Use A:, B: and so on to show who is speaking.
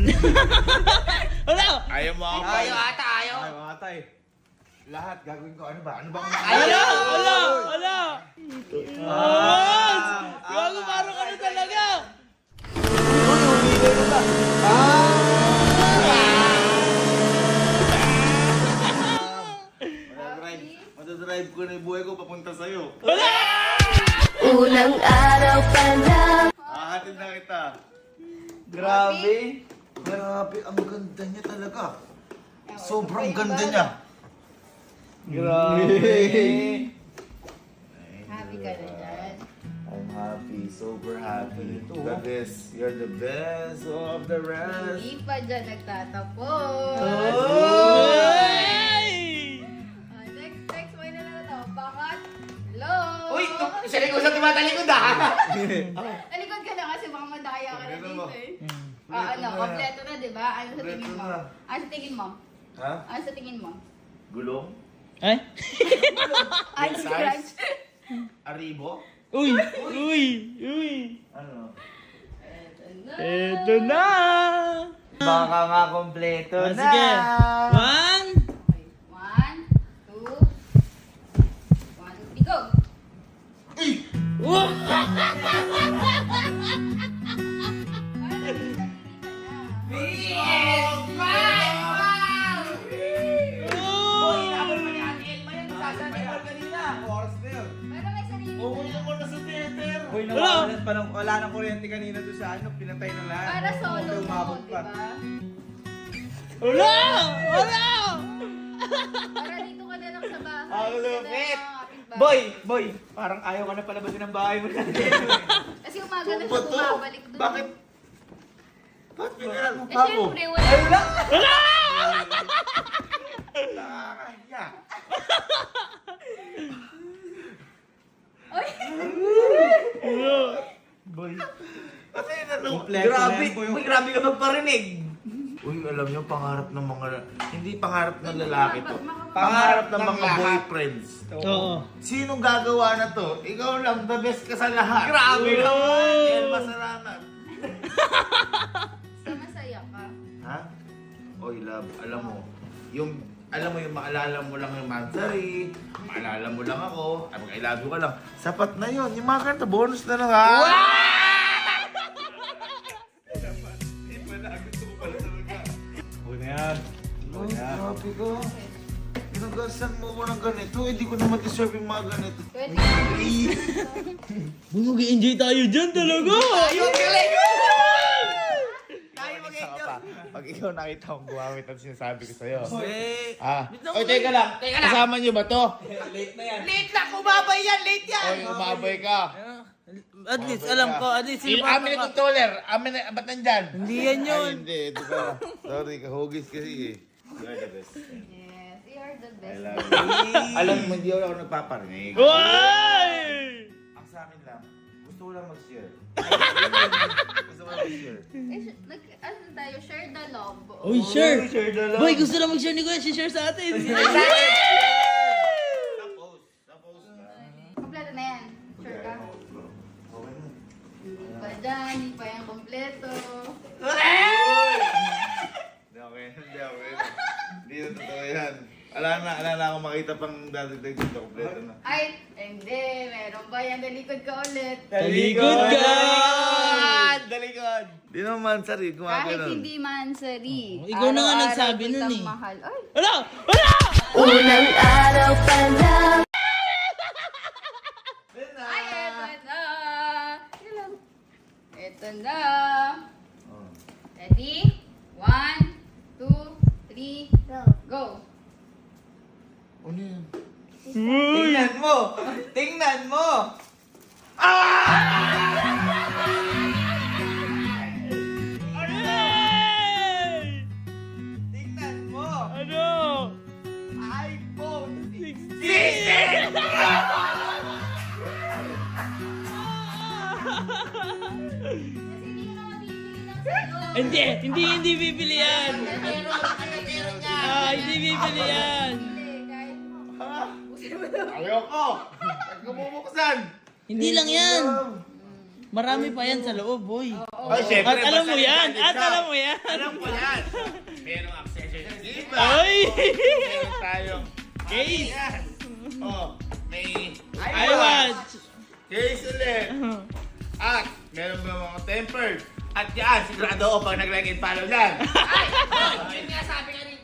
A: Wala!
B: Ayaw mo ako.
C: Ayaw ata, ayaw.
D: Ayaw ata eh.
B: Lahat gagawin ko. Ano ba? Ano bang...
A: Wala! Wala! Wala! Gago, parang ano talaga?
B: Matadrive ko na yung buhay ko papunta sa'yo.
E: Unang araw pa lang.
B: Hahatid na kita.
C: Grabe.
B: Grabe, ang ganda niya talaga. Sobrang ganda niya.
C: Grabe.
E: Happy ka na dyan.
B: I'm happy, super happy. The best, you're the best of the rest.
E: Hindi pa dyan nagtatapos. Next, may na to. Bakit? Hello?
C: Uy, siya rin usap tumatalikod ah.
E: Talikod ka na kasi baka madaya ka na
B: Kompleto
E: dito
B: mo.
E: eh.
B: Kompleto
E: Ano,
B: na.
E: kompleto na, di ba? Ano sa tingin mo?
B: Kompleto na.
E: Ano sa tingin mo?
B: Ha?
E: Ano sa tingin mo?
B: Gulong?
A: Ay?
E: Ano
B: size?
E: scratch?
B: Aribo?
A: Uy! Uy! Uy!
B: Ano?
A: Eto na!
C: Baka nga kompleto
A: Ah,
C: na.
A: sige. One!
E: Okay. 1, 2, 1, 2, 3, go!
A: Whoa!
C: Boy, inabot pa ni Ate Elma yan. Sasaan yung ball kanina.
D: Oras na yun.
E: Pero may sarili ka
B: Uuwi
E: na.
B: mo na sa theater.
D: Uy, nawawalan pa ng, wala nang kuryente kanina doon sa ano, pinatay na lahat.
E: Para solo
D: Hindi
E: mo,
D: umabot
E: di
D: pa.
E: ba?
A: Wala! Wala!
E: Para dito ka na lang sa bahay.
C: Ang
E: Dito na
C: lupit.
E: lang ang kapitbahay.
C: Boy, parang ayaw ka na palabasin ng bahay mo na.
E: Kasi umaga na
B: Tumba
E: siya
B: to.
E: bumabalik doon.
B: Bakit? Bakit pinagalan mo
E: Eh,
B: pa ako?
E: syempre, wala.
B: Nakakaya.
E: Ay,
C: Boy,
B: Kasi ano?
D: Kompleto na
C: grabe.
D: yan po yung...
C: Boy, grabe ka magparinig.
B: Uy, alam niyo, pangarap ng mga... Hindi pangarap ng lalaki to.
E: Makapag-
B: Pangarap ng
D: Ng
B: mga
D: lahat.
B: boyfriends.
A: Oo.
B: Sinong gagawa na to? Ikaw lang, the best ka sa lahat.
C: Grabe
B: Uy,
C: naman.
B: El Masaranan.
E: Basta masaya ka.
B: Ha? Oy, love, alam mo, yung maalala mo lang yung Mansari, maalala mo lang ako, ay mag-I love you ka lang. Sapat na yun. Yung mga kanta, bonus na lang ha.
D: Uy na yan.
B: Uy, grabe ka. Pinagasan mo ko ng ganito, hindi ko naman deserve yung mga ganito.
E: Pwede.
A: Boy, mag-enjoy tayo dyan talaga!
C: Ayun, galing! Tayo
B: Isa
C: mag-enjoy.
B: ka pa. Pag ikaw nakita kong gumamit ang sinasabi ko sa'yo.
C: Eh,
B: Ah, oy, teka lang.
C: Teka lang.
B: Kasama niyo ba to?
D: Late na yan.
C: late na, kumabay yan, late yan.
B: Oy, umabay ka.
A: At least, alam ko, at least,
B: Amin na controller. Amin na, ba't nandyan?
A: Hindi yan yun.
B: Ay, hindi. Ito pa. Sorry, kahugis kasi eh. You're the best.
E: Yes, you are the
B: I
E: best.
B: love you. Alam mo, hindi ako nagpaparinig.
A: Uy!
B: Ang sa akin lang, gusto ko lang mag-share. Gusto ko lang mag-share.
E: Ano tayo? Share the love.
A: Uy, sure!
C: Share na lang.
A: Boy, gusto na mag-share ni Kuya, share sa atin.
B: Tapos ka.
E: Kompleto na yan. Sure ka?
B: Okay na.
E: Hindi pa dyan, hindi pa yan kompleto.
B: Hindi okay. Hindi na totoo yan. Ala na akong makita pang dadagdag dito. Kompleto na.
E: Ay, hindi. Meron ba yan? Dalikod ka ulit.
A: Talikod ka!
C: Dalikod!
B: Di naman, sari.
E: Kahit
B: Gumagano.
E: hindi mansari.
A: Ikaw na nga
E: Araw-araw
A: nagsabi nun
E: kitang
A: eh.
E: Mahal. Ay,
A: Wala! Wala!
E: unang araw pa lang. Ay, eto na. Yun lang. Eto na. Ready? 1, 2, 3, go.
B: Ano yan?
C: Tingnan mo! Tingnan mo!
A: Ay!
C: Tingnan mo!
A: Ano?
C: iPhone 16!
A: 16!
E: Kasi hindi ko na mabibili ng sa'yo.
A: Hindi bibili yan. Hindi bibili yan.
E: Hindi, kahit
B: Ayoko! Nagkumubuksan!
A: Hindi lang yan. Marami pa yan sa loob, boy.
B: Ay, syempre.
A: At alam mo yan. At alam mo yan.
B: Alam ko yan. Merong accessories. Di ba?
A: Ay!
B: Meron tayong
A: Case.
B: Yan. Oh, may
A: iWatch.
B: case ulit. At meron ba mga tempered? At yan, sigurado ako pag nag-like and follow yan.
C: Ay! Yung nga sabi kanina.